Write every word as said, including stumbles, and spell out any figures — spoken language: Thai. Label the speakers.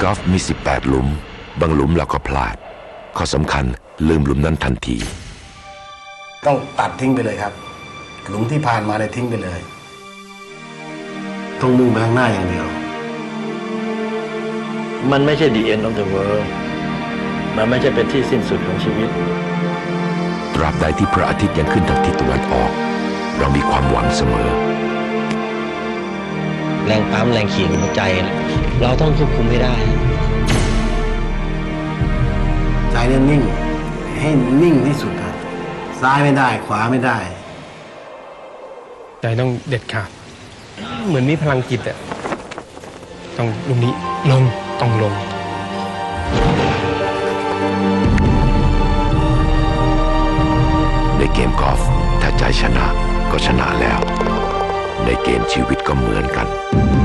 Speaker 1: กอล์ฟมีสิบแปดหลุมบางหลุมเราก็พลาดข้อสำคัญลืมหลุมนั้นทันที
Speaker 2: ต้องตัดทิ้งไปเลยครับหลุมที่ผ่านมาเลยทิ้งไปเลยต้องมุ่งไปข้างหน้าอย่างเดียว
Speaker 3: มันไม่ใช่ the end of the world มันไม่ใช่เป็นที่สิ้นสุดของชีวิต
Speaker 1: ตราบใดที่พระอาทิตย์ยังขึ้นทางทิศตะวันออกเรามีความหวังเสมอ
Speaker 4: แรงปั๊มแรงขี่หัวใจเราต้องควบคุมให้ได้
Speaker 2: ใจเนี่ยนิ่งให้นิ่งที่สุดครับซ้ายไม่ได้ขวาไม่ได้
Speaker 5: ใจต้องเด็ดขาดเหมือนมีพลังจิตอะต้องลุมนี้ลงต้องลง
Speaker 1: ในเกมกอล์ฟถ้าใจชนะก็ชนะแล้วในเกมชีวิตก็เหมือนกัน